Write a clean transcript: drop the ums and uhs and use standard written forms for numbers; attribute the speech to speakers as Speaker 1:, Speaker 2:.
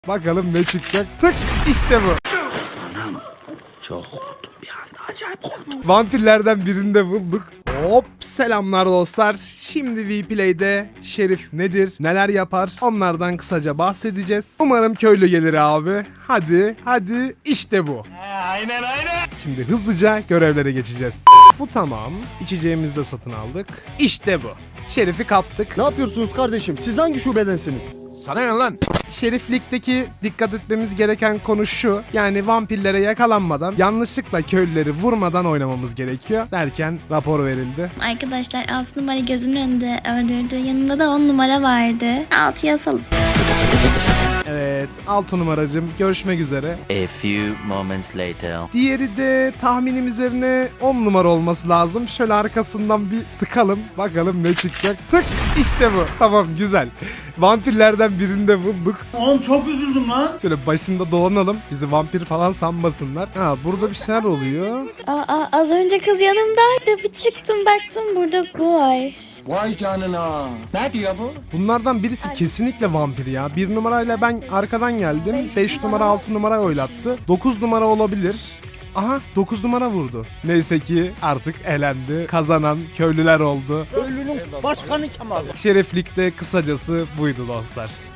Speaker 1: Bakalım ne çıkacak. Tık, işte bu.
Speaker 2: Anam çok korktum bir anda, acayip korktum.
Speaker 1: Vampirlerden birini de bulduk. Hop, selamlar dostlar. Şimdi Vplay'de Şerif nedir, neler yapar, onlardan kısaca bahsedeceğiz. Umarım köylü gelir abi. Hadi işte bu.
Speaker 3: Aynen.
Speaker 1: Şimdi hızlıca görevlere geçeceğiz. Bu tamam. İçeceğimizi de satın aldık. İşte bu. Şerif'i kaptık.
Speaker 4: Ne yapıyorsunuz kardeşim? Siz hangi şubedensiniz?
Speaker 1: Sana ne lan? Şeriflik'teki dikkat etmemiz gereken konu şu. Yani vampirlere yakalanmadan, yanlışlıkla köylüleri vurmadan oynamamız gerekiyor. Derken rapor verildi.
Speaker 5: Arkadaşlar 6 numara gözümün önünde öldürdü. Yanında da 10 numara vardı. 6'ya asalım.
Speaker 1: Evet, 6 numaracım. Görüşmek üzere.
Speaker 6: A few moments later.
Speaker 1: Diğeri de tahminim üzerine 10 numara olması lazım. Şöyle arkasından bir sıkalım. Bakalım ne çıkacak. Tık, işte bu. Tamam, güzel. Vampirlerden birini de bulduk.
Speaker 3: Oğlum çok üzüldüm lan.
Speaker 1: Şöyle başında dolanalım. Bizi vampir falan sanmasınlar. Ha, burada bir şeyler oluyor.
Speaker 5: Az önce kız yanımdaydı. Bir çıktım baktım burada bu var.
Speaker 2: Vay canına. Ne diyor bu?
Speaker 1: Bunlardan birisi kesinlikle vampir ya. 1 numarayla ben arkadan geldim. 5 numara 6 numara oylattı. 9 numara olabilir. Aha, 9 numara vurdu. Neyse ki artık elendi. Kazanan köylüler oldu.
Speaker 4: Köylünün başkanı Kemal.
Speaker 1: Şeriflikte kısacası buydu dostlar.